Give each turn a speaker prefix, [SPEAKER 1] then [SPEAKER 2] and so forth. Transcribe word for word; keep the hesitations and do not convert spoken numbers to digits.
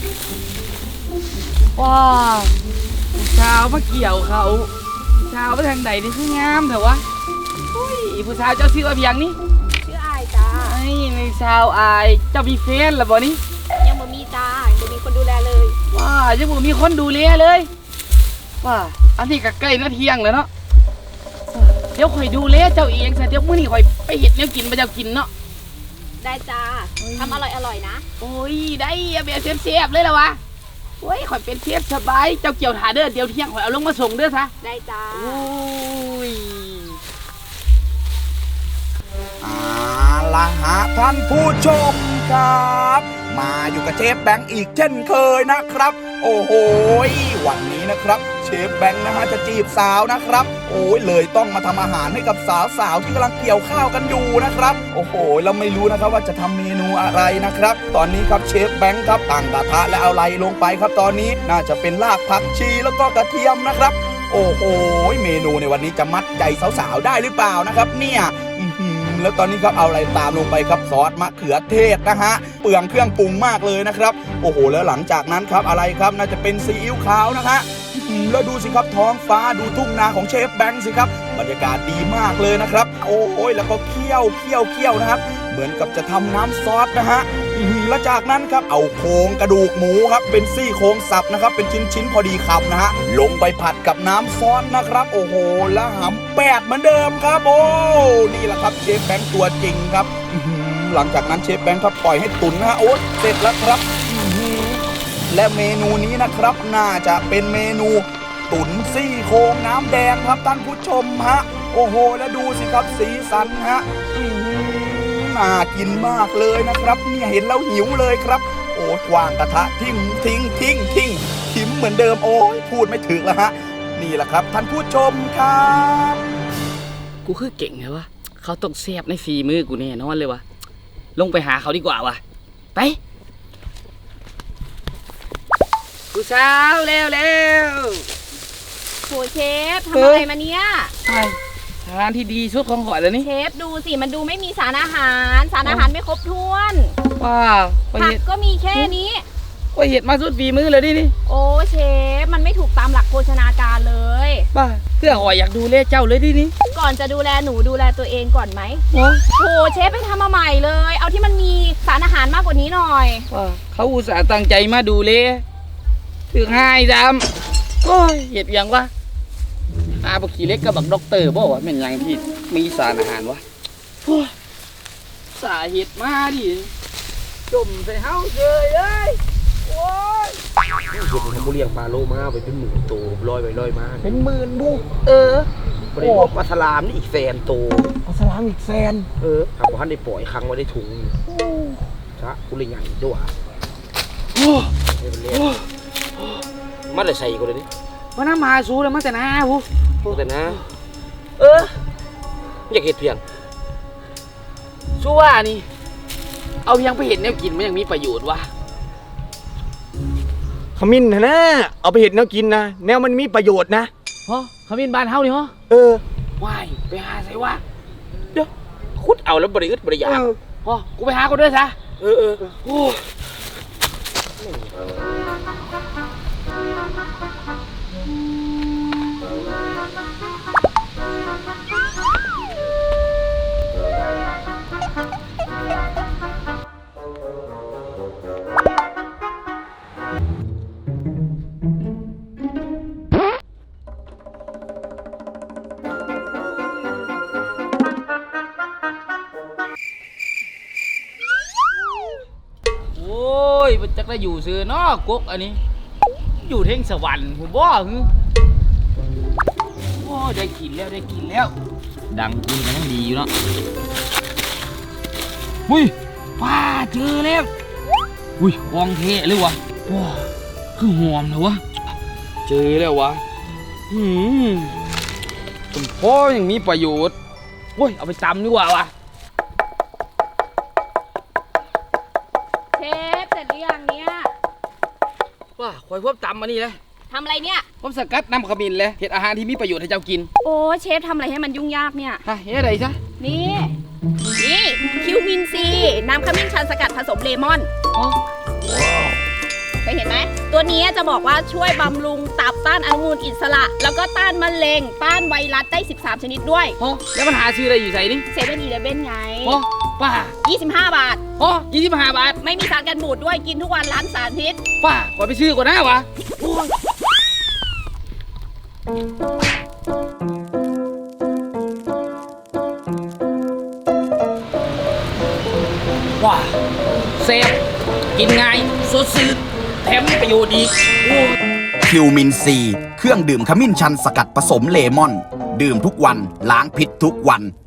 [SPEAKER 1] ว้าวผู้สาวมาเกี่ยวเขาผู้สาวไปทางไหนนี่คืองามแต่วะอุ้ยผู้สาวเจ้าชื่อว่าเพียงนี่
[SPEAKER 2] ชื่ออายจ้า
[SPEAKER 1] ไอ้ในสาวอายเจ้ามีแฟนหรือบ่นี่
[SPEAKER 2] ยังบ่มีจ้ายังบ่มีคนดูแลเลย
[SPEAKER 1] ว้ายังบ่มีคนดูแลเลยว้าอันนี้ก็ใกล้นาเที่ยงแล้วเนาะเดี๋ยวข่อยดูแลเจ้าเองซะเดี๋ยวมื้อนี้ข่อยไปเฮ็ดแนวกินมาเจ้ากินเนาะ
[SPEAKER 2] ได้จ้าทำอร่อยอร่อยนะ
[SPEAKER 1] โอ้ยได้แบบเสียบๆเลยล่ะวะโอ้ยข่อยเป็นเชฟสบายเจ้าเกี่ยวถาเด้อเดี๋ยวเที่ยงข่อยเอาลงมาส่งเด้อซะ
[SPEAKER 2] ได้จ้า
[SPEAKER 1] โอ้ย
[SPEAKER 3] อาละฮะท่านผู้ชมครับมาอยู่กับเชฟแบงค์อีกเช่นเคยนะครับ โอ้โหวันนี้นะครับเชฟแบงค์นะฮะจะจีบสาวนะครับโอ้ยเลยต้องมาทำอาหารให้กับสาวๆที่กำลังเกี่ยวข้าวกันอยู่นะครับโอ้โหเราไม่รู้นะครับว่าจะทำเมนูอะไรนะครับตอนนี้ครับเชฟแบงค์ครับตั้งกระทะและเอาอะไรลงไปครับตอนนี้น่าจะเป็นรากผักชีแล้วก็กระเทียมนะครับโอ้โหเมนูในวันนี้จะมัดใจสาวๆได้หรือเปล่านะครับเนี่ยแล้วตอนนี้ครับเอาอะไรตามลงไปครับซอสมะเขือเทศนะฮะเปลืองเครื่องปรุงมากเลยนะครับโอ้โหแล้วหลังจากนั้นครับอะไรครับน่าจะเป็นซีอิ๊วขาวนะฮะแล้วดูสิครับท้องฟ้าดูทุ่งนาของเชฟแบงค์สิครับบรรยากาศดีมากเลยนะครับโอ้ยแล้วก็เคี่ยวเคี่ยวเคี่ยวนะครับเหมือนกับจะทำน้ำซอสนะฮะแล้วจากนั้นครับเอาโครงกระดูกหมูครับเป็นซี่โครงสับนะครับเป็นชิ้นๆพอดีคำนะฮะลงไปผัดกับน้ำซอสนะครับโอ้โหแล้วหำแปดเหมือนเดิมครับโอ้นี่แหละครับเชฟแบงค์ตัวจริงครับหลังจากนั้นเชฟแบงค์ครับปล่อยให้ตุ๋นนะฮะโอ้เสร็จแล้วครับและเมนูนี้นะครับน่าจะเป็นเมนูตุ๋นซี่โครงน้ำแดงครับท่านผู้ชมฮะโอ้โหแล้วดูสิครับสีสันฮะน่ากินมากเลยนะครับเนี่ยเห็นแล้วหิวเลยครับโอ้วางกระทะทิ้งทิ้งทิ้งทิ้งทิ้งเหมือนเดิมโอ้ยพูดไม่ถึงแล้วฮะนี่แหละครับท่านผู้ชมครับ
[SPEAKER 1] กูคือเก่งเหรอวะเขาต้องแซ่บในฝีมือกูแน่นอนเลยวะลงไปหาเขาดีกว่าวะไปผู้สาวเร็วเร็ว
[SPEAKER 2] โหเชฟทำอะไรมาเนี่ย
[SPEAKER 1] ใช่ทานที่ดีชุดของข่อยแล้วนี่
[SPEAKER 2] เชฟดูสิมันดูไม่มีสารอาหารสารอาหารไม่ครบถ้วน
[SPEAKER 1] ว้าว
[SPEAKER 2] ผักก็มีแค่นี้
[SPEAKER 1] ว่าเห็ดมาสุดฝีมือเลยนี่นี่
[SPEAKER 2] โอ้เชฟมันไม่ถูกตามหลักโภชนาการเลย
[SPEAKER 1] บ้าเพื่อข่อยอยากดูแลเจ้าเลยดินี่
[SPEAKER 2] ก่อนจะดูแลหนูดูแลตัวเองก่อนไหม
[SPEAKER 1] โ
[SPEAKER 2] หเชฟไปทำมาใหม่เลยเอาที่มันมีสารอาหารมากกว่านี้หน่อย
[SPEAKER 1] ว่าเขาอุตส่าห์ตั้งใจมาดูแลถึงให้ดำโอ้ยเห็ดยังวะอาบขี่เล็กกับบักด็อกเตอร์บอกว่าเป็นยังที่มีสารอาหารวะสาเหตุมาดิจมใส่เฮาเลยเอ้ยโอ้ย
[SPEAKER 4] เห็นเขาเลี้ยงปลาโลมาไปเป็นหมื่นตัวลอยไปลอยมา
[SPEAKER 1] เป็นหมื่นบุเออบ
[SPEAKER 4] ริโภคปลาสลามนี่อีกแสนตัว
[SPEAKER 1] ปลาสลามอีกแสน
[SPEAKER 4] เออถามว่าท่านได้ปล่อยครั้งไว้ได้ถุงชะกุลิงใหญ่จ้วโอ้มาเลยใส่กูเลยนี่
[SPEAKER 1] ว่าน้ำมาสู้แล้วมาแต่น้าหู
[SPEAKER 4] แต่นะเอออยากเห็ดเพียง
[SPEAKER 1] สู้ว่านี่เอาเพียงไปเห็นแนวกินมันยังมีประโยชน์วะ
[SPEAKER 4] ขมิ้นนะเอาไปเห็ดแนวกินนะแนวมันมีประโยชน์นะ
[SPEAKER 1] ฮะขมิ้นบานเฮานี่ฮะ
[SPEAKER 4] เออ
[SPEAKER 1] ว่ายไปหาใส่วะ
[SPEAKER 4] เดี๋ยวคุดเอาแล้วบริอึดบริยาฮ
[SPEAKER 1] ะกูไปหาคนด้วยซะ
[SPEAKER 4] เออเออโอ้
[SPEAKER 1] ยมันจะได้อยู่ซื้อนอกกุ๊กอันนี้อยู่เท่งสวรรค์ผมบ่คือโอ้ได้กินแล้วได้กินแล้วดังกินกันทั้งดีอยู่เนาะอุ้ยว้าเจอแล้วอุ้ยกองเทะเลยวะว้าคือหอมเลยวะเจอแล้ววะหืมคุณพ่อยังมีประโยชน์โอ้ยเอาไปตำดีกว่าวะว่าคอยพบตำมานี่เลย
[SPEAKER 2] ทำอะไรเนี่ย
[SPEAKER 1] ผมสกัดน้ำขมิ้นเลยเห็ดอาหารที่มีประโยชน์ให้เจ้ากิน
[SPEAKER 2] โอ้เชฟทำอะไรให้มันยุ่งยากเนี่ย
[SPEAKER 1] ฮะเฮ็ดอะไรซะ
[SPEAKER 2] นี่นี่คิวมินซีน้ำขมิ้นชันสกัดผสมเลมอน
[SPEAKER 1] อ๋อ
[SPEAKER 2] เคยเห็นตัวนี้จะบอกว่าช่วยบำรุงตับต้านอนุมูลอิสระ แล้วก็ต้านมะเร็งต้านไวรัสได้สิบสามชนิดด้วย
[SPEAKER 1] โอ้แล้วมันหาซื้ออะไรอยู่ใส่นี่
[SPEAKER 2] เซเว่นอีเลฟเว่นไง
[SPEAKER 1] โอ้ป้า
[SPEAKER 2] ยี่สิบห้าบาท
[SPEAKER 1] โอ้ยี่สิบห้าบาท
[SPEAKER 2] ไม่มีสารกันบูดด้วยกินทุกวันล้างสารพิษ
[SPEAKER 1] ป้าขอไปซื้อก่อนนะวะโอ้ยว้าเซฟกินง่ายสดชื่นแถมมีประโยชน์อีกโอ้ย
[SPEAKER 3] คิวมินซี เครื่องดื่มขมิ้นชันสกัดผสมเลมอน ดื่มทุกวันล้างพิษทุกวัน